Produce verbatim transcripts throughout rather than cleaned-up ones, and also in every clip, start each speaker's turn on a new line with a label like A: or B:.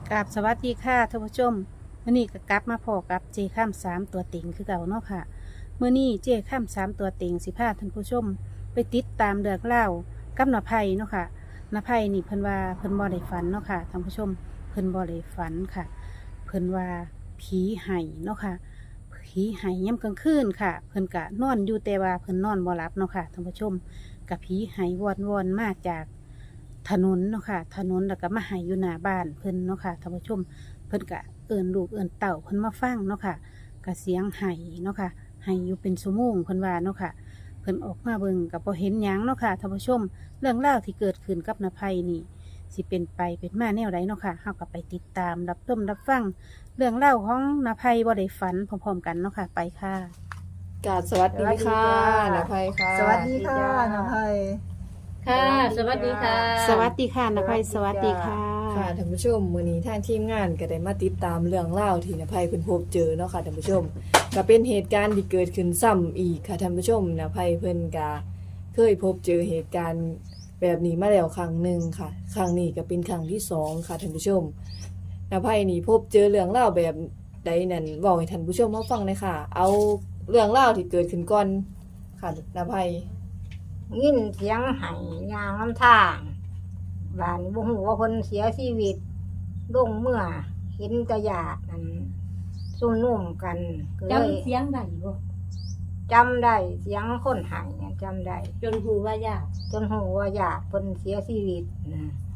A: กราบสวัสดีค่ะท่านผู้ชมมื่อนี้ก็กลับมาพอกับเจข้ามสามตัวเต็งคือเก่าเนาะค่ะเมื่อนี้เจข้ามสามตัวเต็งสิพาท่านผู้ชม ไปติดตามเรื่องเล่ากับนภัยเนาะค่ะนภัยนี่เพิ่นว่าเพิ่นบ่ได้ฝันเนาะค่ะท่านผู้ชมเพิ่นบ่ได้ฝันค่ะ เพิ่นว่าผีไห้เนาะค่ะผีไห้ย่ำกลางคืนค่ะ เพิ่นกะนอนอยู่แต่ว่าเพิ่นนอนบ่หลับเนาะค่ะท่านผู้ชมกับผีไห้วอนวอนมาจากถนนเนาะค่ะถนนแล้วก็มาไห้อยู่หน้าบ้านเพิ่นเนาะค่ะท่านผู้ชม เพิ่นกะเอิ่นลูกเอิ่นเต่าเพิ่นมาฟังเนาะค่ะกะเสียงไห้เนาะค่ะไห้อยู่เป็นชั่วโมงเพิ่นว่าเนาะค่ะเพิ่นออกมาเบิ่งกับบ่เห็นหยังเนาะค่ะท่านผู้ชม เรื่องราวที่เกิดขึ้นกับนภัยนี่สิเป็นไปเป็นมาแนวใดเนาะค่ะเฮาก็ไปติดตามรับชมรับฟังเรื่องเล่าวของนภัยบ่ได้ฝันพร้อมๆกันเนาะค่ะไปค่ะ
B: กราบสวัสดีค่ะนภัยค่ะ
C: สวัสดีค่ะน้ำไพ
D: ค่ะ สวัสดีค่ะ
A: สวัสดีค่ะนภัยสวัสดีค่ะ
B: ค่ะท่านผู้ชมมื้อนี้ทางทีมงานก็ได้มาติดตามเรื่องเล่าวที่นภัยเพิ่นพบเจอเนาะค่ะท่านผู้ชมก็เป็นเหตุการณ์ที่เกิดขึ้นซ้ำอีกค่ะท่านผู้ชมนภัยเพิ่นก็เคยพบเจอเหตุการณ์แบบนี้มาแล้วครั้งหนึ่งค่ะ ครั้งนี้ก็เป็นครั้งที่สองค่ะท่านผู้ชมนภัยนี่พบเจอเรื่องเล่าวแบบใดนั่นเว้าให้ท่านผู้ชมมาฟังเลยค่ะ เอาเรื่องเล่าวที่เกิดขึ้นก่อนค่ะนภัย
C: ยินเสียงไห้ยางน้ำทางบ้านบ่ฮู้ว่าเพิ่นเสียชีวิตลงเมื่อเห็นแตะญาตินั่นซุ่มนุ่มกันก็เลย
D: จำเสียงได้บ่
C: จำได้เสียงคนไห้เนี่ยจำได้
D: จนหูว่ายาก
C: จนฮู้ว่าญาติเพิ่นเสียชีวิตนะ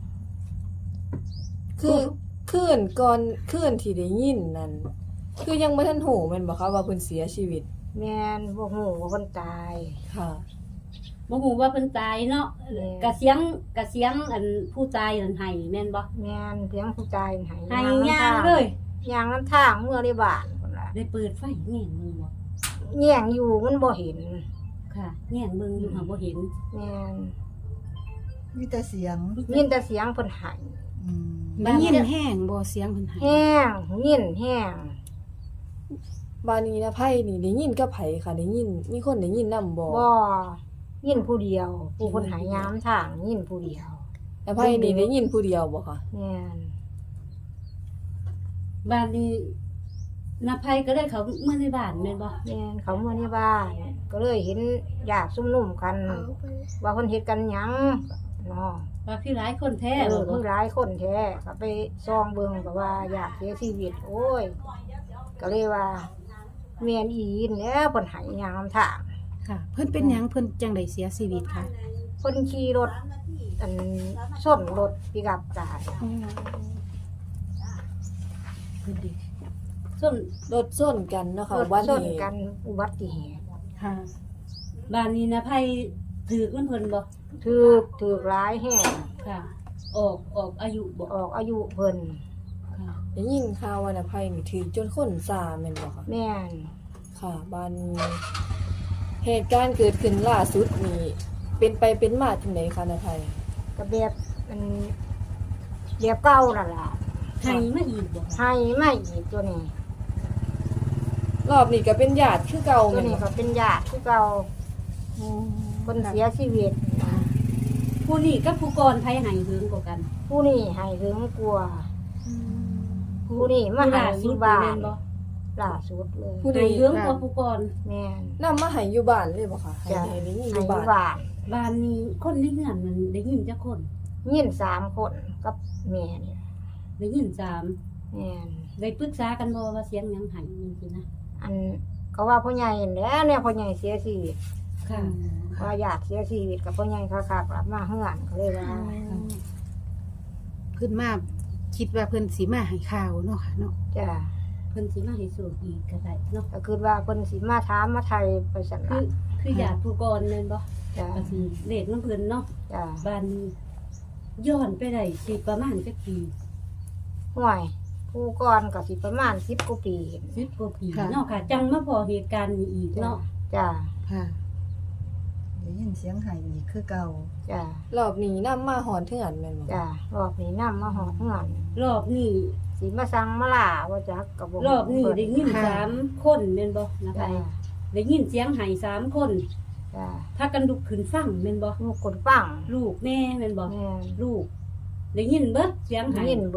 B: คือคืนก่อนคืนที่ได้ยินนั่นคือยังบ่ทันหูแม่นบ่คะว่าเพิ่นเสียชีวิต
C: แม่นบ่ฮู้ว่าเพิ่นตาย
B: ค่ะ
D: บ่ฮู้ว่าเพิ่นตายเนาะ
C: แม่
D: กะเสียงกะเสียงอันผู้ตายนั่นให้แม่นบ่
C: แม่นเสียงผู้ตายไห้
D: ให้
C: น้ำ
D: ย่าง
C: ท
D: เลย
C: ยางน้ำทางเมื่อในบ้านพุ่นล่ะ
D: ได้เปิดไฟแง่งมึงบ่
C: แย่งอยู่มันบ่เห็น
D: ค่ะแง่งเบิ่งอยู่หาบ่เห็น
C: แม่น
E: มีแต่เสียง
C: ยินแต่เสียงเพิ่นไห้
E: อืม
A: ได้ยินแห้งบ่เสียงเพิ่นไห้
C: แห้งยินแห้ง
B: บ้านนี้นะไผนี่ได้ยินกับไผค่ะได้ยินมีคนได้ยินนำบ่
C: บ่ยินผู้เดียว ผู้คนหายยามทางยินผู้เดียว
B: นะไผนี่ได้ยินผู้เดียวบ่ค่ะ
C: แม่น
D: บ้านนี้นาภัยก็ได้เขาเมื่อในบ้านแม่นบ่
C: แม่นเขาเมื่อในบ้าน ก็เลยเห็นญาติซุ่มนุ่มกัน ว่าเพิ่นเฮ็ดกันหยังเนาะ
D: ว่าพี่หลายคนแท้
C: เอ
D: บ่
C: อ
D: บ่
C: มีหลายคนแท้ก็ไปซองเบิ่งก็ว่าญาติเสียชีวิต โอ้ย ก็เลยว่าแม่นอีนแหล้วเพิ่นหายยามทาง
A: ค่ะ เพิ่นเป็นหยังเพิ่นจังไดเสียชีวิตค่ะ
C: เพิ่นขี่รถอันชนรถปิกอัพตาย
A: เพิ่นดี
D: ส่วน
B: รถส้นกันเนาะค่ะ
C: รถ
B: วัน
C: ชน
B: นี้
C: กันอุบัติเหตุ
A: ค่ะ
D: บ้านนี้นาภัยถือมันเพิ่นบ่
C: ถูกถูกร้ายแห้ง
D: ค่ะ ออกออกอายุบ่
C: ออกอายุเพิ่น
D: ค่ะ
B: ได้ยินข่าวว่านะไผนี่ถูกจนคนซาแม่นบ่ค่ะ
C: แม่น
B: ค่ะบ้านนี้เหตุการณ์เกิดขึ้นล่าสุดนี่เป็นไปเป็นมาจังไดคะนะไผ
C: กระแบบมันเดียบเก้านั่นล่ะ
D: ให้มาอีกบ่
C: ให้ไม่อีกตัวนี้
B: รอบนี้ก็เป็นญาติคือเก่า
C: ตัว
B: แม่น
C: นี้
B: บ่
C: ก็เป็นญาติที่เก่าคนเสียชีวิตนะ
D: ผู้นี้กับผู้ก่อนไผให้หึงกว่ากัน
C: ผู้นี้ให้ถึงกลัว ผู้นี้มา
D: ผู้
C: ให้
D: ล่า
C: อ
D: สุด
C: ยู่บ้า
D: แม่
C: น
D: นบ่
C: ล่าสุดเลย
B: ผู้ใด
D: ให้หึงกว่าผู้ก่อน
C: แม่น
B: นำมาให้อยู่บ้านเลยบ่ค่ะให้
C: จ้ะ
B: ให้ได้ยินอ
C: ให้
B: ยู่
C: อยู่
B: บ้าน
C: บ้าน
D: บ้านนี้คนในเรือนมันได้ยินจักคน
C: ยินสามคนกับแม่เนี่ย
D: ได้ยินสาม
C: แม่น
D: ได้ปรึกษากันบ่ว่าเสียงหยังไห้จริงๆนะ
C: อันก็ว่าพ่อใหญ่แหล้วเนี่ยพ่อใหญ่เสียชีวิต
D: ค่ะ
C: ว่าญาติเสียชีวิตกับพ่อใหญ่เขาขับกลับมาเฮือนก็เลยว่า
A: เพิ่นมาคิดว่าเพิ่นสิมาให้ข่าวเนาะค่ะเนาะ
C: จ้ะ
D: เพิ่นสิมาให้สูกอีกก็ได้เนาะ
C: ก็คือว่าเพิ่นสิมาถามมาไทยไปสั่น
D: คื
C: ล่ะ
D: อคือญาติผู้ก่อนแม่นบ่
C: จ้ะ
D: ก็สิเลขนำเพิ่นเนาะ
C: จ้ะ
D: บ้านนี้ย้อนไปได้สิประมาณจักปี
C: ห่วยผู้ก่อนก็สิประมาณสิบกว่าปี
D: สิบกว่าปีเนาะค่ะ จังมาพอเหตุการณ์นี้อีก
C: จ้ะ
D: เนาะ
C: จ้ะ
A: ค่ะ
E: ได้ยินเสียงไห้อีกคือเก่า
C: จ้ะ
B: รอบนี้นำมาหอนเทือนแม่นบ่
C: จ้ะรอบนี้นำมาหอดเฮือน
D: รอบนี้
C: สิมาสั่งมาล่าว่าจักก็บ่
D: รอบนี้ได้ยิน
A: ค่ะ
D: สามคนแม่นบ่นะ
C: จ้ะ
D: ไปได้ยินเสียงไห้สามคน
C: จ้ะ
D: พากันลุกขึ้นฟังแม่นบ่
C: ลูกคนฟัง
D: ลูกแม่แม่นบ่
C: แม่น
D: ลูกได้ยินเบิดเสียงไห้
C: ยินเบิด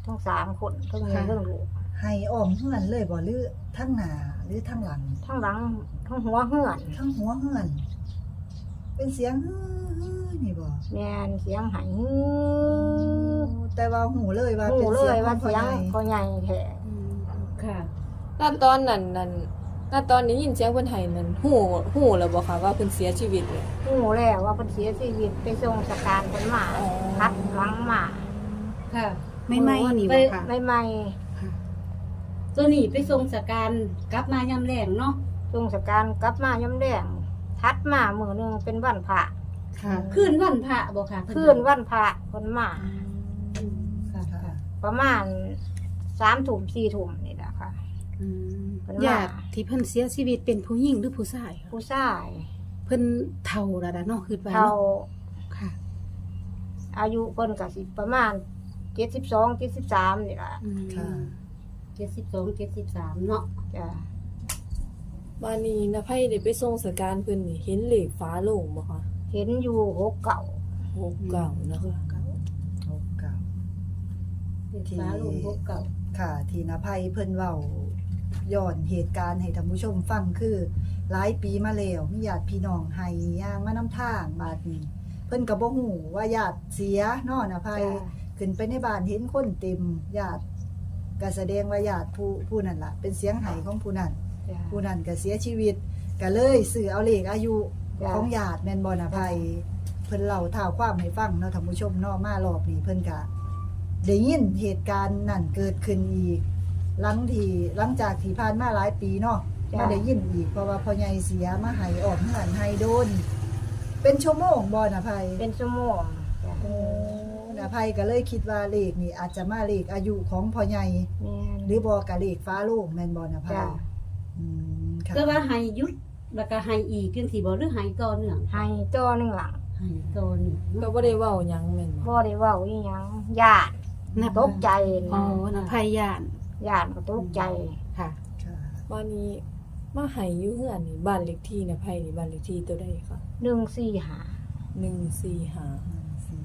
C: ทั้งสามคนทั้งเมียทั้งลูก
E: ให้อ้อมทั้งนั้นเลยบ่หรือทั้งหน้าหรือทั้งหลัง
C: ทั้งหลังทั้งหัวเหือน
E: ทั้งหัวเฮือน เป็นเสียงฮือฮือนี่บ่
C: แม่นเสียงไหฮือ
E: แต่ว่าหูเลยว่า
C: หู
E: เป็น
C: เล
E: เสียง
C: ยว่า
E: ของพ่อ
C: เสียง
E: ใหญ่
C: พ่อใหญ่แท้
D: ค่ะ
B: ณตอนนั้นนั้นณตอนนี้ยินเสียงเพิ่นให้นั้นฮู้ฮู้แล้วบ่คะว่าเพิ่นเสียชีวิตเลย
C: หูแล้วว่าเพิ่นเสียชีวิตไปส่งสการเพิ่นมา
B: อ๋อ
C: พัดหลังมา
D: ค่ะ
A: ไม่ไหม้นี่
D: ไป
A: บ่ค่ะ
C: ใหม่
D: ตัวนี้ไปส่งสการกลับมายามแรงเนาะ
C: ๆส่งสการกลับมาย่ำแดงทัดมามื้อหนึงเป็นวันพระ
A: ค่ะ
D: คืนวันพระบ่ค่ะ
C: คืนวันพระเพิ่นมา
D: อืมค่ะค่ะ
C: ประมาณสามทุ่มสี่ทุ่มนี่แหละค่ะ
A: อืม
C: เพิ่นมา
A: ญาติที่เพิ่นเสียชีวิตเป็นผู้หญิงหรือผู้ชายคะ
C: ผู้ชาย
A: เพิ่นเฒ่าแล้วล่ะเนาะคือว่า
C: เท่า
A: เนาะค่ะ
C: อายุเพิ่นก็สิประมาณเจ็ดสิบสองเจ็ดสิบสามนี่ล่ะ
A: อืม
E: ค่ะ
D: เจ็ดสิบสองเจ็ดสิบสามเนาะ
C: จ้ะ
B: มานี้นะไผได้ไปส่งสการเพิ่นนี่เห็นเลขฟ้าโลงบ่คะ
C: เห็นอยู่หกเก่า
B: หกเก้านะคะ
E: โอ้เก่า
D: เด็กฟ้าลงพบเก่า
E: ค่ะ ที่นภัยเพิ่นเว้าย้อนเหตุการณ์ให้ท่านผู้ชมฟังคือหลายปีมาแล้วมีญาติพี่น้องให้ย่างมานำทางบาดนี้ เพิ่นก็บ่ฮู้ว่าญาติเสียเนาะนภัย
C: จ้ะ
E: ขึ้นไปในบ้านเห็นคนเต็มญาติก็แสดงว่าญาติผู้ผู้นั้นล่ะ เป็นเสียงไห้ของผู้นั้น
C: จ้ะ
E: ผู้นั้นก็เสียชีวิตก็เลยสื่อเอาเลขอายุ
C: จ้ะ
E: ของญาติแม่นบ่นภัยเพิ่นเล่าท้าวความให้ฟังเนาะท่านผู้ชมเนาะมารอบนี้เพิ่นก็ได้ยินเหตุการณ์นั่นเกิดขึ้นอีก หลังที่หลังจากที่ผ่านมาหลายปีเนาะมาได้ยินอีกเพราะว่าพ่อใหญ่เสียมาให้ออกเฮือนให้โดน เป็นชั่วโมงบ่นภัย
C: เป็นชั่วโมงจ้ะ
E: โอ้นภัยก็เลยคิดว่าเลขนี่อาจจะมาเลขอายุของพ่อใหญ่
C: แม่น
E: หรือบ่ก็เลขฟ้าโลกแม่นบ่นภัย
C: จ้ะ
E: อืมค่ะ
D: ก็ว่าให้หยุดแล้วก็ให้อีกจังซี่บ่หรือให้ต่อเนื่อง
C: ให้จ้อหนึงหลัง
D: ให้ต่อเนื่อง
B: ก็
D: เนาะ
B: บ่ได้เว้าหยังแม่นบ่
C: บ่ได้เว้าอีหยังญาติ
A: นับ
C: ตกใจ
A: อ๋อ
C: นะ
A: นภัยย่าน
C: ญาติก็ตกใจ
A: ค่ะ
E: ค่ะ
B: มานี้มาให้อยู่เฮือนนี่บ้านเลขที่นะไผนี่บ้านเลขที่ตัวใดคะ
C: หนึ่งสี่หา
B: หนึ่งสี่ห้า
E: หนึ่งสี่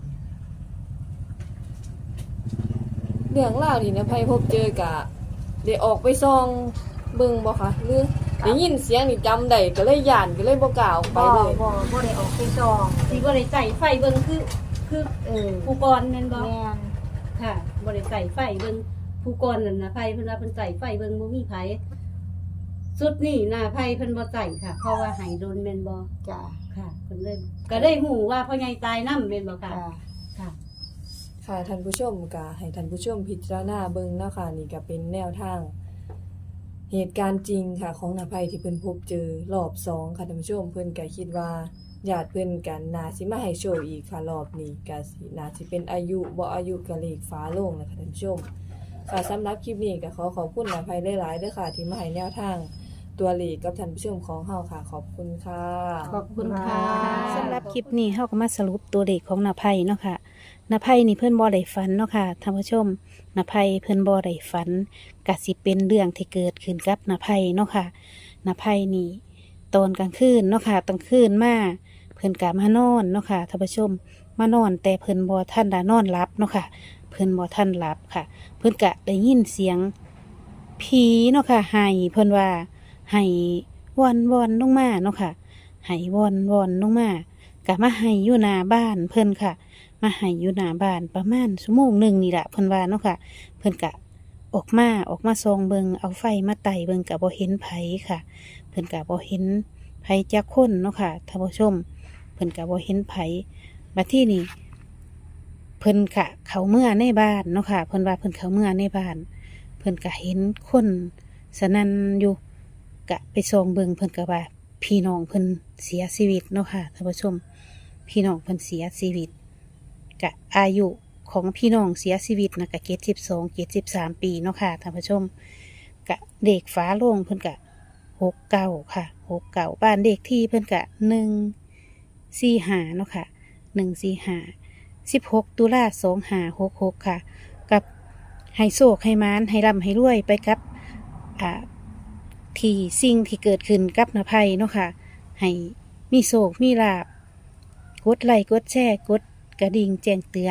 B: เรื่องราวที่นะไผพบเจอกะได้ออกไปส่องเบิ่งบ่คะหรือได้ยินเสียงนี่จำได้ก็เลยย่านก็เลยบ่กล้าออกไป
C: บ่
B: เลย
C: บ่บ่ได้ออกไปซอง
D: สิบ่ได้ใส่ไฟเบิ่งคือคือ
C: เออ
D: ผู้กรแม่นบ่
C: แม่น
D: ค่ะบ่ได้ใส่ไฟเบิ่งผู้กรนั่นน่ะไผเพิ่นว่าเพิ่นใส่ไฟเบิ่งบ่มีไผสุดนี่น่ะไผเพิ่นบ่ใส่ค่ะ เพราะว่าให้โดนแม่นบ่
C: จ้ะ
D: ค่ะเพิ่นเลยก็ได้ฮู้ว่าพ่อใหญ่ตายนำแม่นบ่ค่ะ
C: จ้ะ
D: ค่ะ
B: ค่ะท่านผู้ชมก็ให้ท่านผู้ชมพิจารณาเบิ่งเนาะค่ะนี่ก็เป็นแนวทาง เหตุการณ์จริงค่ะของนภัยที่เพิ่นพบเจอรอบสองค่ะท่านผู้ชมเพิ่นก็คิดว่าญาติเพิ่นกันน่าสิมาให้โชคอีกค่ะรอบนี้ก็สิน่าสิเป็นอายุบ่อายุก็เลขฟ้าโลงนะคะท่านผู้ชมค่ะสำหรับคลิปนี้ก็ขอขอบคุณนภัยหลายๆเด้อค่ะที่มาให้แนวทางตัวเลขกับท่านผู้ชมของเฮาค่ะ ขอบคุณค่ะ
A: ขอบคุณค่ะสำหรับคลิปนี้เฮาก็มาสรุปตัวเลขของนภัยเนาะค่ะนภัยนี่เพิ่นบ่ได้ฝันเนาะค่ะท่านผู้ชมนภัยเพิ่นบ่ได้ฝันก็สิเป็นเรื่องที่เกิดขึ้นกับนภัยเนาะค่ะนภัยนี่ตอนกลางคืนเนาะค่ะกลางคืนมาเพิ่นก็มานอนเนาะค่ะท่านผู้ชมมานอนแต่เพิ่นบ่ทันได้นอนหลับเนาะค่ะเพิ่นบ่ทันหลับค่ะ เพิ่นก็ได้ยินเสียงผีเนาะค่ะไห้เพิ่นว่าไห้วอนวอนลงมาเนาะค่ะไห้วอนวอนลงมาก็มาไห้อยู่หน้าบ้านเพิ่นค่ะ มาไห้อยู่หน้าบ้านประมาณชั่วโมงหนึ่งนี่แหละเพิ่นว่าเนาะค่ะ เพิ่นกะออกมาออกมาส่องเบิงเอาไฟมาไต่เบิงกะบ่เห็นไผค่ะ เพิ่นกะบ่เห็นไผจักคนเนาะค่ะท่านผู้ชม เพิ่นกะบ่เห็นไผบัดที่นี่เพิ่นกะเข้าเมื่อในบ้านเนาะค่ะ เพิ่นว่าเพิ่นเข้าเมื่อในบ้าน เพิ่นกะเห็นคนสนั่นอยู่กะไปส่องเบิงเพิ่นกะว่าพี่น้องเพิ่นเสียชีวิตเนาะค่ะท่านผู้ชม พี่น้องเพิ่นเสียชีวิตกะอายุของพี่น้องเสียชีวิตนะกะเจ็ดสิบสองเจ็ดสิบสามปีเนาะค่ะท่านผู้ชมกะเด็กฟ้าโลงเพิ่นกะหกเก้าค่ะหกเก้าบ้านเด็กที่เพิ่นกะหนึ่งสี่หาเนาะค่ะหนึ่งสี่หาสิบหกตุลาสองหาหกหกค่ะ กับให้โศกให้มานให้ร่ำให้รวยไปกับอ่าที่สิ่งที่เกิดขึ้นกับนภัยเนาะค่ะให้มีโศกมีลาภ กดไลค์กดแชร์กดกระดิ่งแจ้งเตือน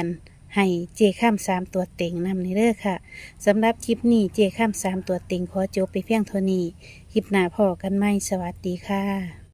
A: ให้เจข้ามสามตัวเต็งนำในเด้อค่ะสำหรับคลิปนี้เจข้ามสามตัวเต็งขอจบไปเพียงเท่านี้คลิปหน้าพอกันไหมสวัสดีค่ะ